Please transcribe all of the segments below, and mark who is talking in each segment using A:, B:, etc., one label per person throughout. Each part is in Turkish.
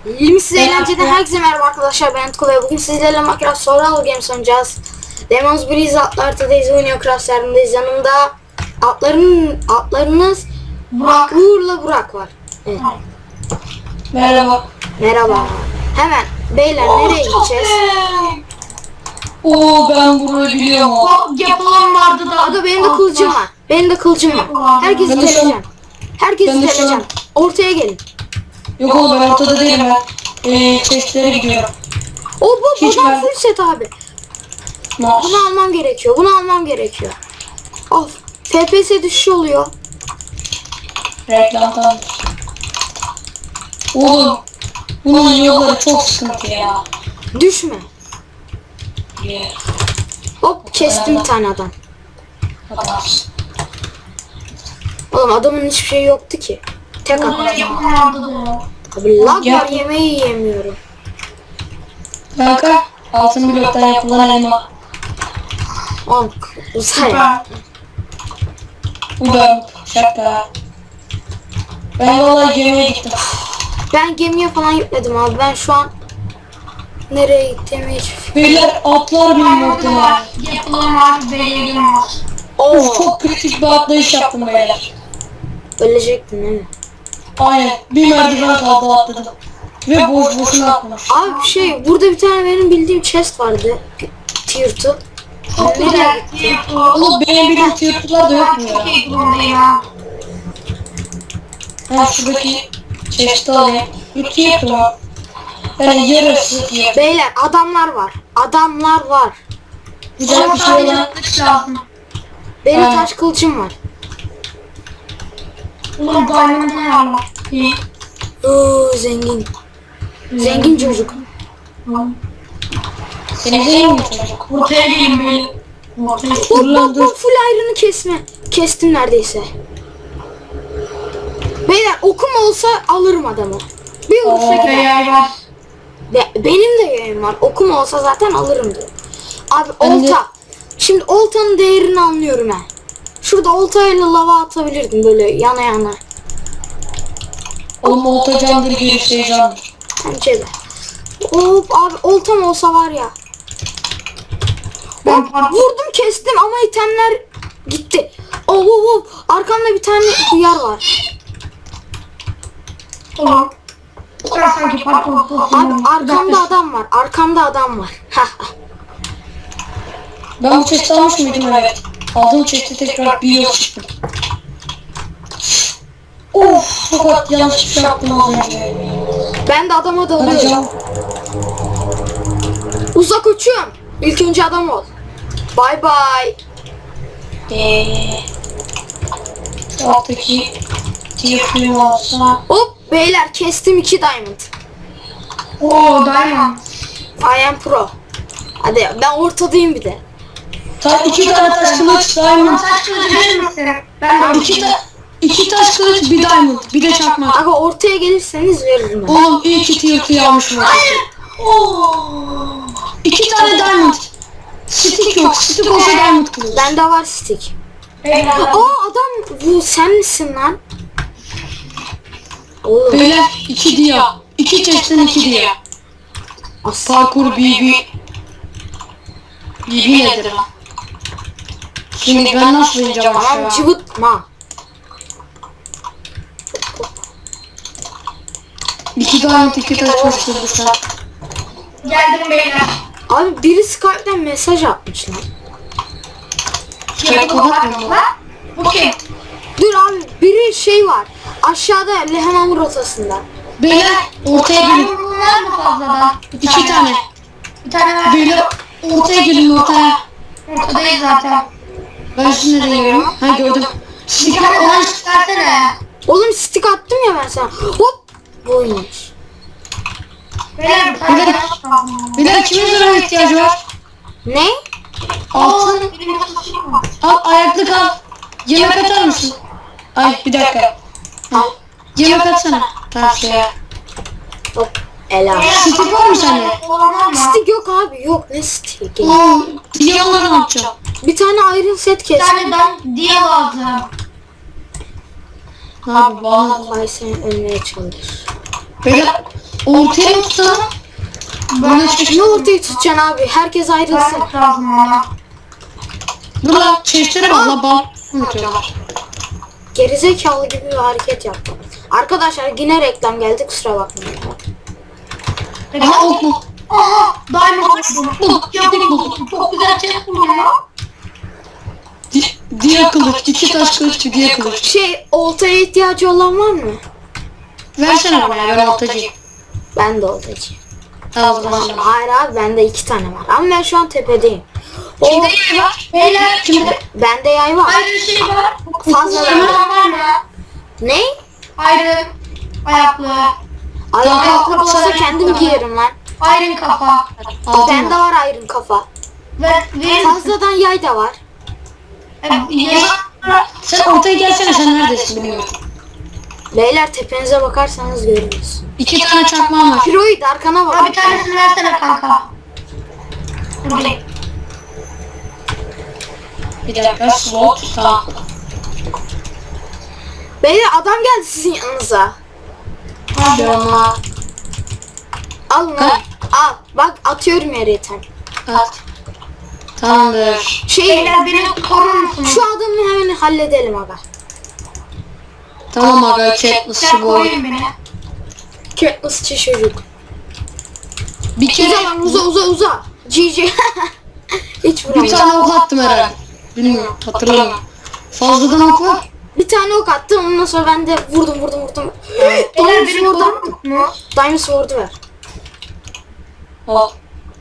A: Limitsiz eğlenceden herkese merhaba arkadaşlar, ben Tutku ve bugün sizlerle Minecraft Survival Games oynayacağız. Demons Breeze atlardayız, oynuyor craftlarındayız. Yanımda atlarınız
B: Burak.
A: Uğur'la Burak var. Evet.
B: Merhaba.
A: Merhaba. Hemen beyler nereye gideceğiz?
B: Oo, ben burayı biliyorum. Yapılan vardı da.
A: Aga benim de kılıcım var. Benim de kılıcım var. Herkesi
B: Ben de şu-
A: teleceğim. Herkesi
B: ben de şu-
A: teleceğim. Ortaya gelin.
B: Yok oğlum, ben ortada değilim ben. Chestlere gidiyorum.
A: Bu
B: Hiç
A: adam
B: ben-
A: full set abi.
B: Nice.
A: Bunu almam gerekiyor. Bunu almam gerekiyor. Of. FPS düşüş oluyor.
B: Reklamdan. Oğlum, bunun yolları çok sıkıntı ya.
A: Düşme.
B: Yeah.
A: Hop kestim bir tane adam.
B: Atarsın.
A: Oğlum adamın hiçbir şey yoktu ki. Tek attım.
B: Yapılan da.
A: Abi lag
B: Gel.
A: var, yemeği yiyemiyorum.
B: Kanka, altın bloktan yapılan elma.
A: Oğlum uzay.
B: Bu da şaka. Ben vallahi gemiye gittim.
A: Ben gemiye falan gitmedim abi. Ben şu an nereye gittiğimi hiç fikrim.
B: Beyler atlar benim ortaya.
C: Yapılan var, belirgin var.
A: Oo,
B: Çok kritik bir atlayış yaptım beyler.
A: ölecektin değil mi?
B: Aynen. Bir merdiven kaldı atladım. Ve boş boşuna atlamış.
A: Abi burada bir tane benim bildiğim chest vardı. Tier 2.
C: Çok
A: Nereye
C: güzel.
A: gitti?
B: Oğlum benim bildiğim tiyatrolar da yok mu ya?
C: Çok iyi durumdayım ha.
B: Ha, şuradaki chest'i alayım. Bir tiyatro var. Yani yarısı tiyatro.
A: Beyler adamlar var. Adamlar var.
B: Güzel
C: Ama
B: bir şey
C: sadece
B: olan.
C: atış lazım.
A: Benim
B: Ha.
A: taş kılıcım var.
C: Oğlum diamond'ın var lan. İyi.
A: Oo, zengin. Zengin çocuk.
B: Senin değil mi çocuk?
C: Ortaya gelin böyle. Ortaya.
A: Hop
B: lan, dur.
A: full iron'ı kesme. Kestim neredeyse. Beyler okum olsa alırım adamı. Bir vuruşa
B: Aa.
A: gider.
C: Yer var.
A: Benim de yayım var. Okum olsa zaten alırım diyor. Abi
B: Ben de-
A: olta. Şimdi oltanın değerini anlıyorum ben. Şurada oltayla lava atabilirdim böyle yana yana.
B: Oğlum olta candır, gerisi candır.
A: Bence de. Hop abi oltam olsa var ya. Hop, vurdum kestim ama itemler gitti. Hop arkamda bir tane hıyar var.
C: Oğlum. Ben sanki parkur
A: Abi arkamda adam var. Arkamda adam var.
B: Ben bu chest'i almış mıydım? Evet. Aldığım chest'i tekrar bir yıl çıktım. Of, fakat yanlış bir şey yaptım az önce.
A: Ben de adama
B: Hadi
A: dalıyorum.
B: canım.
A: Uzak uçuyorum. İlk önce adam ol. Bye bye.
B: Şu alttaki tiyatroyu alsam.
A: Hop beyler kestim 2 diamond.
C: Oo, diamond.
A: I am pro. Hadi ben ortadayım bir de.
B: İki tane taş kılıç, diamond.
C: Taş kılıcı verir misin? Ben de
B: İki taş kılıç, bir diamond, bir de çakmak.
A: Aga ortaya gelirseniz veririm ben.
B: Oğlum iyi ki tiyatroyu almışım. İki tane diamond. Stick yok, stick olsa diamond kılıç.
A: Bende var stick.
C: Eyvallah.
A: Adam bu sen misin lan? Oğlum
B: Beyler 2 diye. 2 chest'ten 2 diye.
A: aslan.
B: Parkur BB. BB nedir lan? Şimdi ben nasıl ineceğim
A: Tamam
B: aşağı?
A: cıvıtma.
B: 2 diamond, 2 taş koşturmuşlar.
C: Geldim beyler.
A: Abi biri Skype'den mesaj atmış lan.
B: Şöyle kapatmıyorum lan.
C: Bu kim?
A: Dur abi biri şey var. Aşağıda hemen rotasında.
B: Beyler ortaya gelin.
C: Diamond'ın var mı fazladan?
B: 2 tane.
C: Bir tane ver.
B: Beyler ortaya gelin, ortaya.
C: Ortadayız zaten.
B: Ben sizi nereye görüyorum? Ha, gördüm.
C: Bir
B: Stick
C: tane
B: olan.
C: taş versene.
A: Oğlum stick attım ya ben sana. Hop. Buymuş.
C: Beyler bir tane taş lazım.
B: Beyler kimin zarara ihtiyacı var?
A: Ne?
B: Altın.
C: Benim bir taşım var.
B: Al, ayaklık al. Yemek atar mısın? Ay bir dakika.
A: Al.
B: Yemek atsana. Tamam şuraya.
A: Hop. Ela.
B: Stick var mı sende?
C: Olan var mı?
A: Stick yok abi yok ne stick?
B: Oo, diyaları ne yapacağım?
A: Bir tane iron set
C: Bir
A: kes.
C: tane diye lazım.
B: Abi bana.
A: Vallahi seni önüne çaldır.
B: Beyler Ortaya mı tutalım? Bana
A: Ne
B: çeşitli.
A: ortaya tutacaksın abi? Herkes ayrılsın.
C: Diamond lazım bana.
B: Dur lan çeşitlere bak la bal. Unutuyorlar.
A: Gerizekalı gibi bir hareket yaptım. Arkadaşlar yine reklam geldi, kusura bakmayın.
B: Aha ok mu?
C: Aha! Diamond buldum. Çabuk buldum. Çok güzel chest buldum ya.
B: Diye kılıç. 2 taş kılıç diye kılıç.
A: Oltaya ihtiyacı olan var mı?
B: Versene bana ya ben ortacıyım.
A: Ben de oltacıyım.
B: Tamam tamam.
A: Hayır abi, bende 2 tane var. Ama ben şu an tepedeyim.
B: Kimde yay var?
C: Beyler.
B: Kimde?
A: Bende yay var.
C: Ayrı şey var.
A: Fazla
C: Fazla var mı?
A: Ne?
C: Ayrı. Ayaklı.
A: Ayakkabı olsa kendim giyerim lan.
C: Iron kafa.
B: Altın
A: Bende
B: var.
A: var ayrım kafa.
C: Ve
A: Fazladan yay da var.
B: Sen ortaya gelsene sen neredesin bilmiyorum.
A: Beyler tepenize bakarsanız görürüz.
B: 2 tane çakmağım var.
A: Firoid arkana
C: Ya
A: bak.
C: bir tanesini versene kanka. Buradayım.
B: Bir dakika slot tamam.
A: Beyler adam geldi sizin yanınıza.
B: Şuna
A: Al onu. Al. Bak atıyorum yere yeter.
B: at. Tamamdır.
C: Beyler beni korur musunuz?
A: Şu adamı hemen halledelim aga.
B: Tamam aga Katniss
C: Sen
B: bu.
C: koruyun beni.
A: Katniss çocuk.
B: Bir kere
A: Uza lan, uza. GG. Hiç
B: bir
A: vuramadım.
B: tane ok attım herhalde. Bilmiyorum hatırlamıyorum. Fazladan ok var.
A: Bir tane ok attım, ondan sonra ben de vurdum.
C: Beyler
A: Diamond
C: beni
A: Sword'u
C: korur
A: attım.
C: musunuz?
A: Diamond Sword'u ver.
B: Al.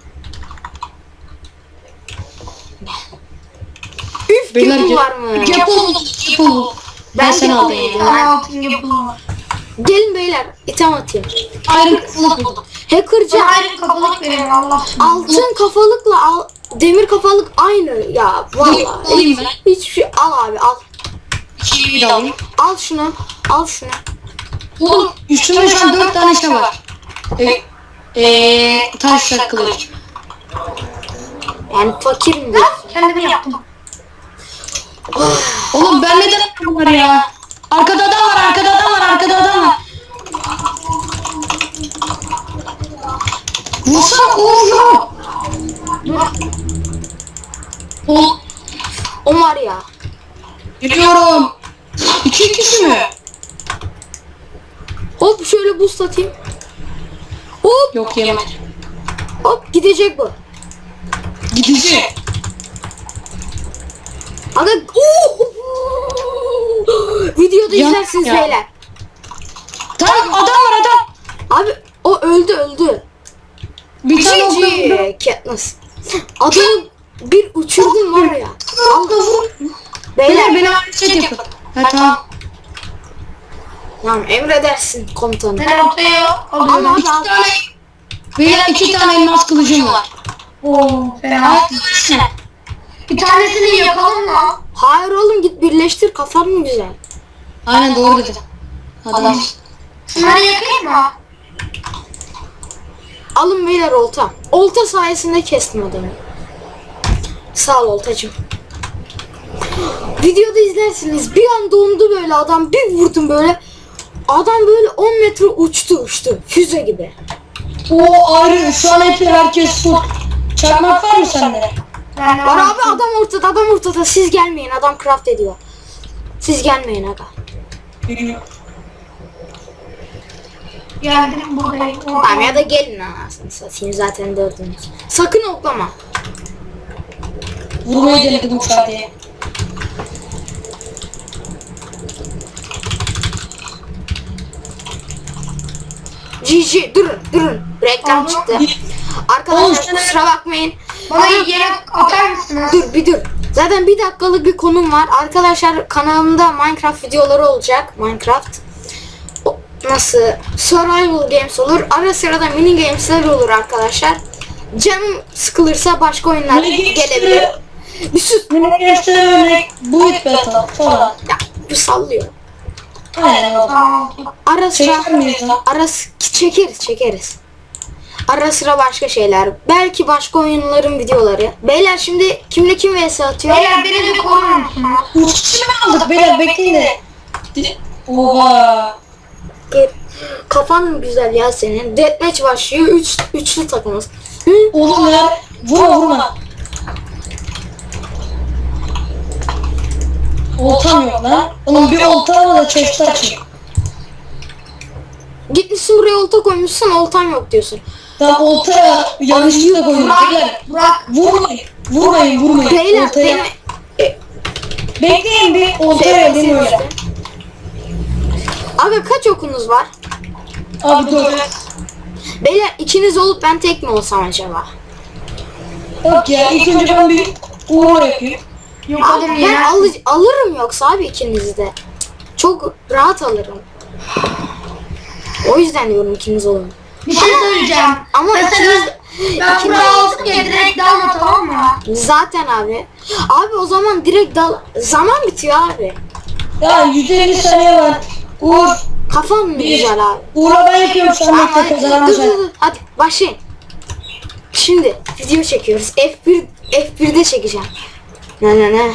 A: Üf,
B: Beyler
A: Gapple var mı?
B: Gapple. Ben sen aldın
C: Bir
B: ya.
C: tane altın yapılı var.
A: Gelin beyler, item atayım.
B: Ayrı kılıç buldum.
A: Hacker'cı
C: Bana ayrı kafalık verin Allah aşkına.
A: altın kafalıkla demir kafalık aynı ya. Vallahi.
B: Alayım ben.
A: Hiçbir şey. Al abi al.
B: İkiyi de alayım.
A: Al şunu.
B: Oğlum üstümde şu an 4 tane şey var. Taş kılıç.
A: Yani fakirim diyorsun.
C: Kendimi yaptım.
B: Oğlum ben neden adam var ya? Arkada adam var. Vursana oğlum. Oğlum
A: O var ya.
B: biliyorum. 2 kişi mi?
A: Hop şöyle boost atayım. Hop
B: Yok yemedim.
A: hop gidecek bu.
B: Gidici.
A: Aga videoda
B: Ya-
A: izlersiniz
B: ya.
A: beyler.
B: Tamam adam var adam.
A: Abi o öldü.
B: Bir tane okla vurdum.
A: GG Katniss. Adamı bir uçurdum var ya.
B: Al da vur.
A: Beyler
B: Beni hareket yapın. Ha tamam.
A: tamam emredersin komutanım.
C: Ben ortaya
A: Ama
C: alıyorum.
A: abi
B: 2
A: al.
B: tane. Beyler 2 tane elmas kılıcım var.
C: Oo fena.
B: Al versene.
C: Bir tanesini yakalım mı?
A: Hayır oğlum, git birleştir, kafan mı güzel?
B: Aynen doğru dedin. Adam.
C: Şunları yakayım mı?
A: Alın beyler olta. Olta sayesinde kestim adamı. Sağ ol oltacım. Videoda izlersiniz. Bir an dondu böyle adam. Bir vurdum böyle. Adam böyle 10 metre uçtu. Füze gibi.
B: O ayrı şu an hep herkes full. Çakmak var mı sende?
C: Ben
A: Var abi, adam ortada. Siz gelmeyin. Adam craft ediyor. Siz gelmeyin aga.
C: geldim buradayım.
A: Tamam ya da gelin anasını satayım, zaten dördünüz. Sakın oklama.
B: Vurmayı denedim uçağa diye.
A: GG durun. Reklam
C: Oldu.
A: çıktı.
B: Oğlum,
A: Arkadaşlar
B: sen-
A: kusura bakmayın.
C: Bana yemek atar mısınız?
A: Dur. Zaten 1 dakikalık bir konum var. Arkadaşlar kanalımda Minecraft videoları olacak. Nasıl? Survival games olur. Ara sırada mini gamesler olur arkadaşlar. Canım sıkılırsa başka oyunlar gelebilir. Bir sus.
B: Üniversite boyut beta falan.
A: Ya bu sallıyor.
B: Aynen o.
C: Tamam.
A: Ara sıra
B: Çeker miyiz lan?
A: çekeriz. Ara sıra başka şeyler. Belki başka oyunların videoları. Beyler şimdi kimle kim vs atıyor?
C: Beyler beni de korur musunuz?
B: 3 kişi mi aldık beyler bekleyin de. Oha.
A: Kafan güzel ya senin. Deathmatch başlıyor. Üçlü takımız. Hı?
B: Oğlum ya. Vurma. Oltam yok lan. Oğlum bir olta ama da chest açayım.
A: Gitmişsin buraya olta koymuşsun, oltan yok diyorsun.
B: Tamam oltaya yanlışlıkla koydum. Beyler vurmayın.
A: Beyler
B: Oltaya.
A: benim
B: Bekleyin bir oltaya alayım öyle.
A: Aga kaç okunuz var?
B: Abi dur.
A: Beyler ikiniz olup ben tek mi olsam acaba?
B: Yok ya ilk önce ben bir uğur yapayım.
C: Yok
A: Abi
C: oğlum
A: ben
C: ya.
A: alırım yoksa abi ikinizi de. Çok rahat alırım. O yüzden diyorum ikiniz olun.
C: Bir şey söyleyeceğim.
A: Ama
C: Mesela
A: ikiniz,
C: ben buraya aldım ya direkt dalma tamam mı?
A: zaten abi. Abi o zaman direkt zaman bitiyor abi.
B: Ya 150 saniye var. Uğur.
A: Kafam mı güzel abi?
B: Uğur'a ben yapıyorum sen
A: Tamam,
B: bekle
A: hadi,
B: kazanamayacak.
A: dur. Hadi başlayın. Şimdi video çekiyoruz. F1'de çekeceğim. Ne.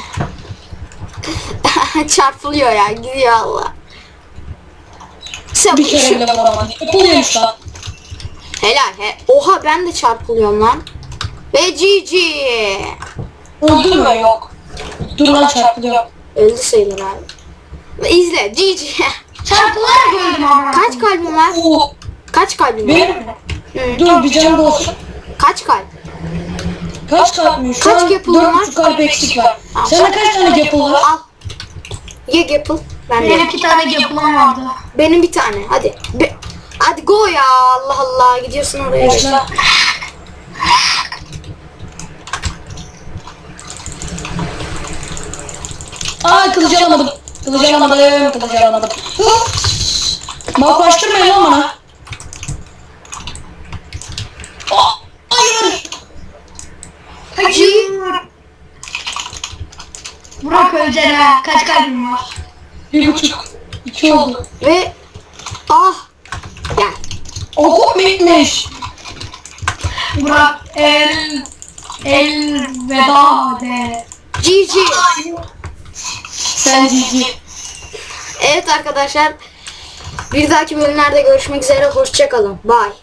A: Çarpılıyor ya, gidiyor Allah. Sen
B: Bir kere bile vuramadım. Yapılıyormuş lan.
A: Helal he. Oha ben de çarpılıyorum lan. Ve GG.
B: Öldürme yok. Dur lan çarpılıyor.
A: Öldü sayılır abi. İzle GG.
C: Çarpılarak öldüm ama.
A: Kaç kalbim var?
B: Oo.
A: Kaç kalbim var?
B: Benim mi?
A: Hı.
B: Dur bir canım da olsun.
A: Kaç kalp?
B: Kaç kalpmiş? Şu
A: Kaç
B: an
A: yapılı var?
B: 4,5 kalp eksik var.
A: Al.
B: Sana kaç tane yapıl var?
A: Al. Ye Gapple. Ben
C: Benim
A: de.
C: 2 tane yapılan vardı.
A: Benim bir tane. Hadi. Hadi go ya. Allah Allah. Gidiyorsun oraya.
B: Başla. Aa kılıcı alamadım. Kılıcı alamadım. Mahvaştırmayın lan bana. Oh, hayır.
C: Hayır. Burak öleceksin ha. Kaç kalbin var?
B: 1,5. 2 oldu.
A: Ve gel.
B: Okum bitmiş.
C: Burak el veda de.
A: GG.
B: Sen cici.
A: Evet arkadaşlar. Bir dahaki bölümlerde görüşmek üzere. Hoşça kalın. Bye.